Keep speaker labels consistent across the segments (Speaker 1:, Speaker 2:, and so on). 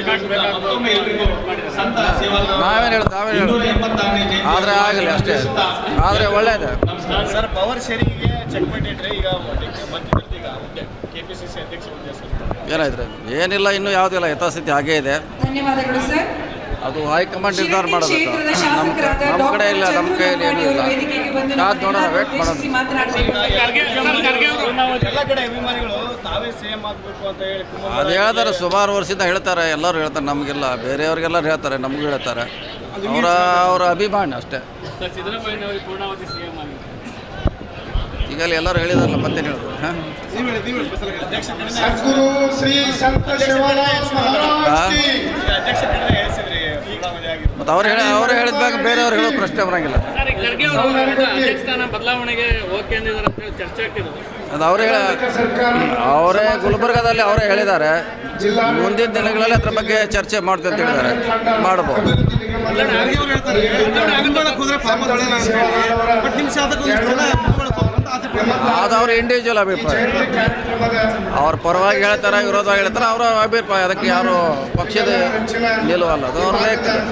Speaker 1: ನಾವೇನು ಹೇಳೋದು ಆದರೆ ಆಗಲಿ ಅಷ್ಟೇ, ಆದರೆ ಒಳ್ಳೆಯದು
Speaker 2: ಸರ್. ಪವರ್ ಶೇರಿಂಗ್ಗೆ ಚೆಕ್ ಮಾಡಿಟ್ರೆ ಈಗ ಈಗ KPCC ಅಧ್ಯಕ್ಷ ಹುದ್ದೆ ಸರ್
Speaker 1: ಏನಾಯ್ತು? ಏನಿಲ್ಲ, ಇನ್ನೂ ಯಾವುದಿಲ್ಲ, ಯಥಾಸ್ಥಿತಿ ಹಾಗೇ ಇದೆ.
Speaker 3: ಧನ್ಯವಾದಗಳು ಸರ್.
Speaker 1: ಅದು ಹೈಕಮಾಂಡ್ ನಿರ್ಧಾರ ಮಾಡಬೇಕು. ನಮ್ಮ ಕಡೆ ಇಲ್ಲ, ನಮ್ಮ ಕೈಯಲ್ಲಿ ಏನೂ ಇಲ್ಲ. ಕಾದು ನೋಡೋಣ, ವೇಟ್ ಮಾಡೋಣ.
Speaker 2: ಎಲ್ಲ ಕಡೆ ಅಭಿಮಾನಿಗಳು ತಾವೇ CM ಆಗಬೇಕು ಅಂತ ಹೇಳಿ
Speaker 1: ಅದು ಹೇಳ್ತಾರೆ, ಸುಮಾರು ವರ್ಷದಿಂದ ಹೇಳ್ತಾರೆ, ಎಲ್ಲರೂ ಹೇಳ್ತಾರೆ. ನಮಗೆಲ್ಲ ಬೇರೆಯವ್ರಿಗೆಲ್ಲರೂ ಹೇಳ್ತಾರೆ, ನಮಗೂ ಹೇಳ್ತಾರೆ. ಅವರ ಅಭಿಮಾನ ಅಷ್ಟೇ. ಈಗಲೇ ಎಲ್ಲರೂ ಹೇಳಿದಾರಲ್ಲ, ಮತ್ತೇನು ಹೇಳೋದು?
Speaker 4: ಸದ್ಗುರು ಶ್ರೀ ಸಂತ ಶಿವಾನಂದ ಮಹಾರಾಜ್ ಕಿ
Speaker 1: ಮತ್ತು ಅವರೇ ಹೇಳಿದ್ದಾಗ ಬೇರೆಯವ್ರು ಹೇಳೋ ಪ್ರಶ್ನೆ ಬರೋಂಗಿಲ್ಲ.
Speaker 5: ಬದಲಾವಣೆಗೆ ಓಕೆ ಅಂದಿದ್ದಾರೆ ಅಂತ ಹೇಳಿ ಚರ್ಚೆ ಆಗ್ತಿರೋದು.
Speaker 1: ಅದು ಅವರೇ ಗುಲ್ಬರ್ಗಾದಲ್ಲಿ ಅವರೇ ಹೇಳಿದ್ದಾರೆ. ಮುಂದಿನ ದಿನಗಳಲ್ಲಿ ಅದ್ರ ಬಗ್ಗೆ ಚರ್ಚೆ ಮಾಡ್ತೀವಿ ಅಂತ ಹೇಳಿದ್ದಾರೆ. ಮಾಡ್ಬೋದು. ಅದು ಅವ್ರ ಇಂಡಿವಿಜುವಲ್ ಅಭಿಪ್ರಾಯ. ಅವ್ರ ಪರವಾಗಿ ಹೇಳ್ತಾರೆ, ವಿರೋಧವಾಗಿ ಹೇಳ್ತಾರೆ, ಅವರ ಅಭಿಪ್ರಾಯ. ಅದಕ್ಕೆ ಯಾರು ಪಕ್ಷದ ನಿಲುವಲ್ಲ, ಅದು ಅವ್ರ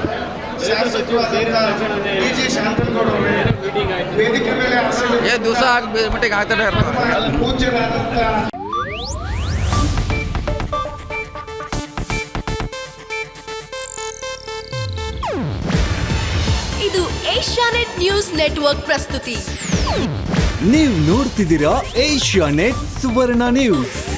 Speaker 1: ದಿವಸ ಮೀಟಿಂಗ್ ಆಗ್ತಾನೆ ಇರ್ತಾರೆ.
Speaker 6: ಇದು ಏಷ್ಯಾನೆಟ್ ನ್ಯೂಸ್ ನೆಟ್ವರ್ಕ್ ಪ್ರಸ್ತುತಿ.
Speaker 7: ನೀವು ನೋಡ್ತಿದ್ದೀರಾ ಏಷ್ಯಾನೆಟ್ ಸುವರ್ಣ ನ್ಯೂಸ್.